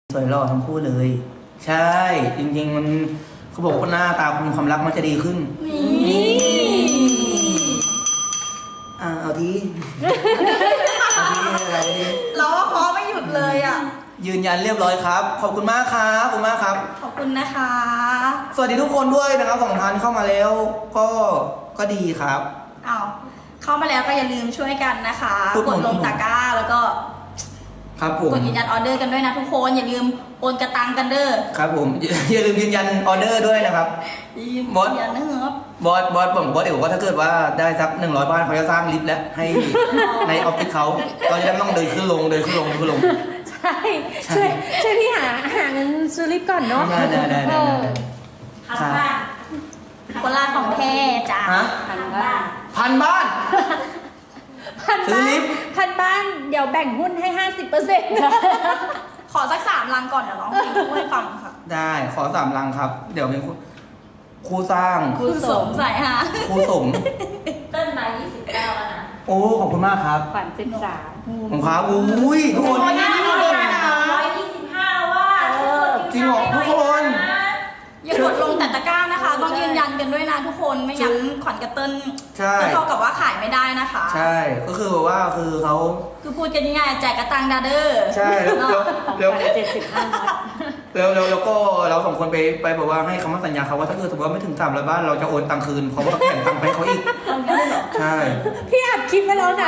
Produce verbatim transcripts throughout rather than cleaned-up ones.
สวยหล่อทั้งคู่เลย ใช่จริงๆมันเขาบอกว่าหน้าตาคุณความรักมันจะดีขึ้นนี่อ่าเอาทีเอาทีอะไรทีเราว่าเคาะไม่หยุดเลยอ่ะยืนยันเรียบร้อยครับขอบคุณมากครับขอบคุณมากครับขอบคุณนะคะสวัสดีทุกคนด้วยนะครับสองท่านเข้ามาแล้วก็ก็ดีครับอ้าวเข้ามาแล้วก็อย่าลืมช่วยกันนะคะกดกหนุดนลงตะกร้าแล้วก็ครับผมกดยืนยันออเดอร์กันด้วยนะทุกคนอย่าลืมโอนกระตังกันเด้อครับผมอย่าลืมยืนยันออเดอร์ด้วยนะครับยืนบอสยันนะครับบอสบอสผมบอสเดี๋ยวว่าถ้าเกิดว่าได้สักหนึ่งร้อยบ้านเขาจะสร้างลิฟต์แล้วให้ในออฟฟิศเขาเราจะได้ไม่ต้องเดินขึ้นลงเดินขึ้นลงเดินขึ้นลงใช่ช่วยช่วยพี่หาหาเงินซื้อลิฟต์ก่อนเนาะได้ได้ได้ได้เออครับคนลาของแท้จ้าฮะพันบ้านพันบ้านพันซื้อบ้านลิฟต์พันบ้านเดี๋ยวแบ่งหุ้นให้ห้าสิบเปอร์เซ็นต์ขอสักสามลังก่อนเดี๋ยวร้องเพลงคู่ให้ฟังค่ะได้ขอสามลังครับ เดี๋ยวเป็นครูครูสร้างคุณสมใส่ฮะครูสมเต้นมายี่สิบเก้าแล้วนะโอ้ขอบคุณมากครับขวัญสิบสามผมครับอุ้ยทุกคนโอ้ยนี่นี่นี่นี่นะร้อยยี่สิบห้าแล้วว่าจริงเหรอทุกคนอย่ากดลงแต่ตะกร้านะคะ ต้องยืนยันกันด้วยนะทุกคนไม่งั้นขวัญกระเติ้ลใช่จะเท่ากับว่าขายไม่ได้นะคะใช่ก็คือแบบว่าคือเขาคือพูดกันง่ายๆแจกกระตังดาเดอร์ใช่แล้วแล้วแล้วเจ็ดสิบห้าร้อยแล้วแล้วแล้วก็เราสองคนไปไปบอกว่าให้คำมั่นสัญญาเขาว่าถ้าเกิดสมมติว่าไม่ถึงสามร้อยบ้านเราจะโอนตังค์คืนเพราะว่าแข่งตังค์ไปให้เขาอีกใช่พี่อัดคลิปไปแล้วนะ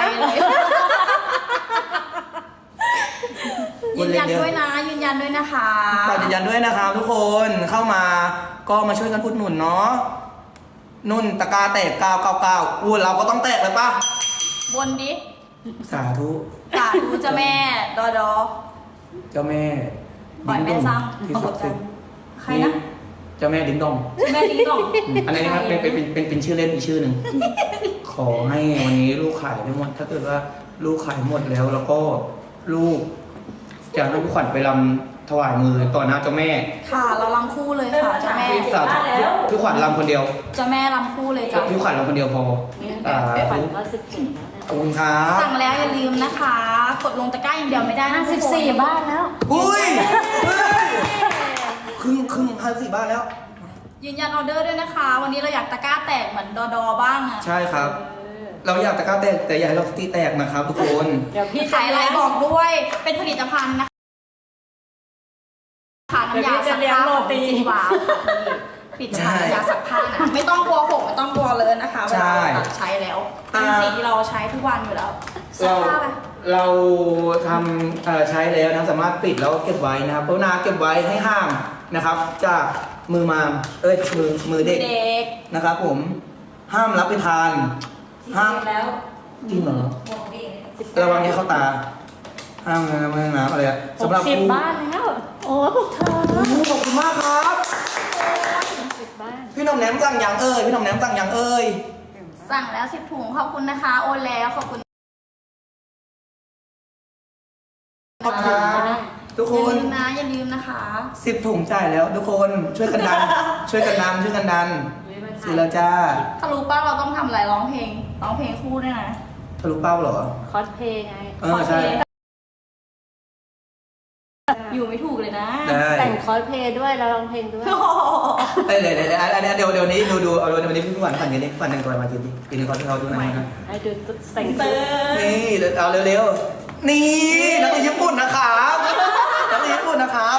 ยืนยันด้วยนะยืนยันด้วยนะคะฝากยืนยันด้วยนะครับทุกคนเข้ามาก็มาช่วยกันพูดหนุนเนาะนุ่นตะกาแตกเก้าเก้าเก้าอู้เราก็ต้องแตกเลยป่ะบนดิสาธุสาธุเจ้าแม่ดอดอเจ้าแม่ปล่อยแม่ซ้ที่ำศักดิ์สิทธิ์ใครนะเจ้าแม่ดิ้งดองแม่ดิ้งดองอันนี้นะครับเป็นเป็นเป็นเป็นเป็นชื่อเล่นอีกชื่อหนึ่งขอให้วันนี้ลูกขายได้หมดถ้าเกิดว่าลูกขายหมดแล้วแล้วก็ลูกจะให้พี่ขวัญไปรำถวายมือต่อหน้าเจ้าแม่ค่ะเราลำคู่เลยค่ะเจ้าแม่สาธุพี่ขวัญรำคนเดียวเจ้าแม่ลำคู่เลยจ้ะพี่ขวัญรำคนเดียวพอสาขวัญธุก็สิบเจ็ดแล้วนะขอบคุณครับสั่งแล้วอย่าลืมนะคะ กดลงตะกร้าอย่างเดียวไม่ได้นะห้าสิบสี่บ้านแล้วอุ้ยเฮ้ยครึ่งครึ่งห้าสี่บ้านแล้วยืนยันออเดอร์ด้วยนะคะ วันนี้เราอยากตะกร้าแตกเหมือนดอดอบ้างอะใช่ครับ เราอยากตะกร้าแตกแต่อย่าให้เราสติแตกนะครับทุกคนเดี๋ยวพี่ขายอะไรบอกด้วยเป็นผลิตภัณฑ์นะคะค่ะน้ำยาซักผ้าของซินวาวผลิตภัณฑ์น้ำยาซักผ้านะไม่ต้องกลัวหกไม่ต้องกลัวเลยนะคะเวลาเราตัดใช้แล้วเป็นสิ่งที่เราใช้ทุกวันอยู่แล้วซักเราผ้าไปเราทำเอ่อใช้แล้วนะสามารถปิดแล้วก็เก็บไว้นะครับเพราะนาเก็บไว้ให้ห่างนะครับ จากมือมามเอ้ยมือมือเด็กเด็กนะครับ ผมห้ามรับไปทานห้ามแล้วจริงเหรอบอกดิระวังให้เข้าตาห้ามนะไม่น้ำอะไรอะหสำกหรับสิบผู้บ้านแล้ว โอ้พวกเธอโอ้โหขอบคุณมากครับสิบบ้านพี่หน้องแหนมสั่งอย่างเอ้ยพี่หน้องแหนมสั่งอย่างเอ้ยสั่งแล้วสิบถุงขอบคุณนะคะ โอนแล้วขอบคุณขอบคุณครับทุกอคย่าน ลืมนะอย่าลืมนะคะสิบถุงจ่ายแล้ว ทุกคนช่วยกันดัน ช่วยกันดันช่วยกันดันซื้อแล้วจ้าถ้ารู้ป่ะเราต้องทำอะไรร้องเพลงร้องเพลงคู่ด้วยนะทะลุเป้าเหรอคอสเพย์ไงเออใช่อยู่ไม่ถูกเลยนะได้แต่งคอสเพย์ด้วยแล้วร้องเพลงด้วยเอ้ยเดี๋ยวเดี๋ยวเดี๋ยวอันนี้เดี๋ยวเดี๋ยวนี้ดูดูเอาเดี๋ยววันนี้พี่ขวัญขวัญกันนี่ขวัญแต่งตัวมาจริงๆปีนึงขอให้เขาดูหน่อยนะให้ดูแต่งเติตัวร์นี่เอาเร็วๆนี่นักเรียนญี่ปุ่นนะครับนักเรียนญี่ปุ่นนะครับ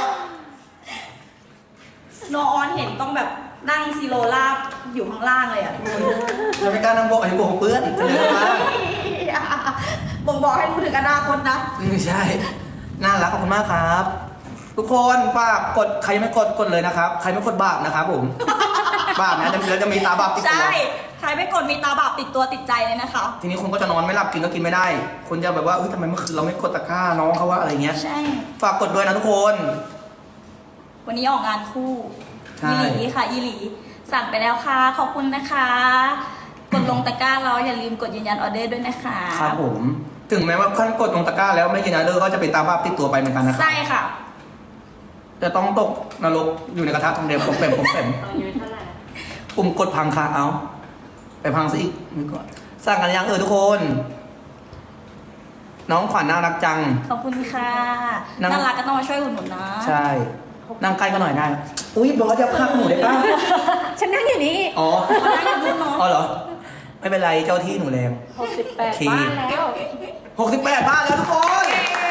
โนออนเห็นต้องแบบนั่งซีโรลาบอยู่ข้างล่างเลยอ่ะทุกคนจะไม่กล้านั่งโบกไอ้โบกเปื้อนจะเลยมากบ่งบอกให้รู้ถึงอนาคตนะไม่ใช่น่ารักขอบคุณมากครับ ทุกคนฝากกดใครยังไม่กดกดเลยนะครับ ใครไม่กดบาปนะครับผม บาปนะแล้วจะมีตาบาปติดตัวใช่ ใครไม่กดมีตาบาปติดตัวติดใจเลยนะคะทีนี้คุณก็จะนอนไม่หลับกินก็กินไม่ได้ คุณจะแบบว่าเฮ้ยทำไมเมื่อคืนเราไม่กดตะกร้าน้องเขาว่าอะไรเงี้ยใช่ฝากกดด้วยนะทุกคนวันนี้ออกงานคู่ใช่อีหลีค่ะอีหลี สั่งไปแล้วค่ะ ขอบคุณนะคะ กดลงตะกร้าแล้วอย่าลืมกดยืนยันออเดอร์ด้วยนะคะครับผม ถึงแม้ว่าขั้นกดลงตะกร้าแล้วไม่กินออเดอร์ก็จะเป็นตาบาปติดตัวไปเหมือนกันนะครับใช่ค่ะจะต้องตกนรกอยู่ในกระทะทองแดงผมเป่มผมเป่มอายุเท่าไหร่ปุ่มกดพังคาเอา ไปพังซะอีกนี่ก่อนสั่งกันยังเออทุกคนน้องขวัญน่ารักจังขอบคุณค่ะนั่งน่ารักก็ต้องมาช่วยอุดหนุนนะใช่นั่งใกล้กันหน่อยได้นะอุ้ยบอสจะพักหนูได้ป่ะฉันนั่งอยู่นี่อ๋อเอาได้กับรุ่นเนาะอ๋อเหรอไม่เป็นไรเจ้าที่หนูแรงหกสิบแปดโอเคบ้านแล้วหกสิบแปดบ้านแล้วทุกคน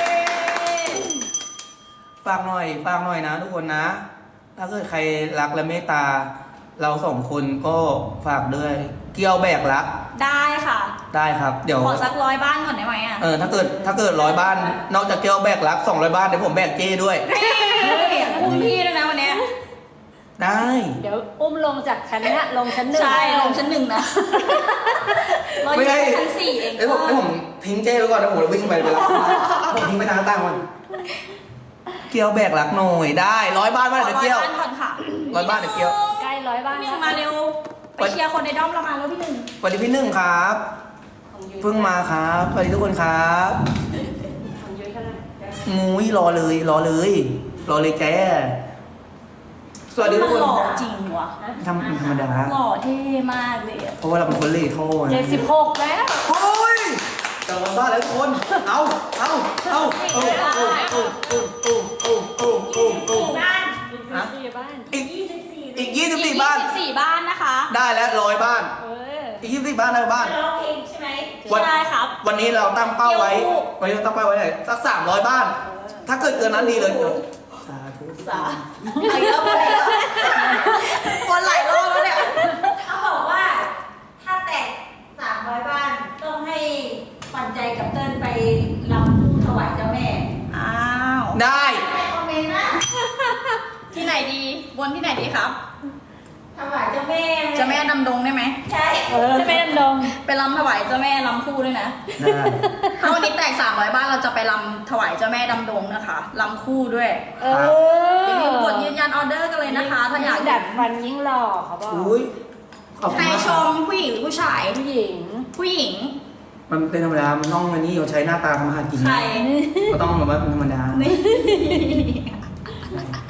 ฝากหน่อยฝากหน่อยนะทุกคนนะ ถ้าเกิดใครรักและเมตตา เราสองคนก็ฝากด้วย เกี่ยวแบกรักได้ค่ะได้ครับ เดี๋ยวขอสักร้อยบ้านก่อนได้ไหมอ่ะเออถ้าเกิดถ้าเกิดร้อยบ้าน นอกจากเกี่ยวแบกรักสองร้อยบ้านเดี๋ยวผมแบกเจ้ด้วยเฮ้ยอุ้มพี่ด้วยนะวันเนี้ยได้เดี๋ยวอุ้มลงจากชั้นเนี้ยลงชั้นหนึ่งใช่ลงชั้นหนึ่งนะเราอยู่ชั้นสี่เองเดี๋ยวผมเดี๋ยวผมทิ้งเจ้ไว้ก่อนเดี๋ยวผมวิ่งไปไปรับผมทิ้งไปทางใต้ก่อนเกี่ยวแบกรักหน่อยได้ร้อยบ้านบ้านเดี๋ยวเกี่ยวขอร้อยบ้านก่อนค่ะร้อยบ้านเดี๋ยวเกี่ยวใกล้ร้อยบ้านพี่หแล้ วนึ่งมาเร็ว ไปเชียร์คนในด้อมเรามาแล้วพี่หนึ่งสวัสดีพี่หนึ่งครับ เพิ่งมาครับสวัสดีทุกคนครับของยุ้ยเท่าไหร่มุ้ยรอเลยรอเลย รอเลยแกสวัสดีทุกคนมันหล่อจริงว่ะทำธรรมดาหล่อเท่มากเลยอะเพราะว่าเราเป็นคนเล่โทษเจ็ดสิบหกแล้วโอ้ยกลับมาบ้านแล้วทุกคน เอาเอาเอาเอาเอาเอาเอาเอาเอาเอาเอาบ้านฮะสี่บ้านอีกยี่สิบสี่อีกยี่สิบอีสี่กบ้านยี่สิบสี่บ้านนะคะได้แล้วร้อยบ้านเอออีกยี่สิบสี่บ้านได้บ้านร้องเพลงใช่ไหมวันใช่ครับวันนี้เราตั้งเป้าไว้เกี่ยวคู่วันนี้เราตั้งเป้าไว้ไหนสักสามร้อยบ้าน ถ้าเกิดเกินนั้นดีเลยสาธุสาเอาอีกแล้ววนอีกแล้ววนหลายรอบแล้วเนี่ยเขาบอกว่า ถ้าแตกสามร้อยบ้าน ต้องให้ปันใจกับเติ้ลไปรำผู้ถวายเจ้าแม่อ้าวได้ให้คอมเมนต์นะที่ไหนดีวนที่ไหนดีครับถวายเจ้าแม่เจ้าแม่ดำดงได้ไหมใช่เออจะไม่ดำดงไปรำถวายเจ้าแม่รำคู่ด้วยนะได้ถ้าวันนี้แตกสามร้อยบ้านเราจะไปรำถวายเจ้าแม่ดำดงนะคะรำคู่ด้วยเอออย่าลืมกดยืนยันออเดอร์กันเลยนะคะ ถ้าอยากยิ่งดัดฟันยิ่งหล่อเขาบอกอุ้ยขอบคุใครณมากชมผู้หญิงหรือผู้ชายผู้หญิงผู้หญิงมันเป็นธรรมดา มันต้องอันนี้เราใช้หน้าตามาหากินใครก็ต้องแบบว่าเป็นธรรมดานี่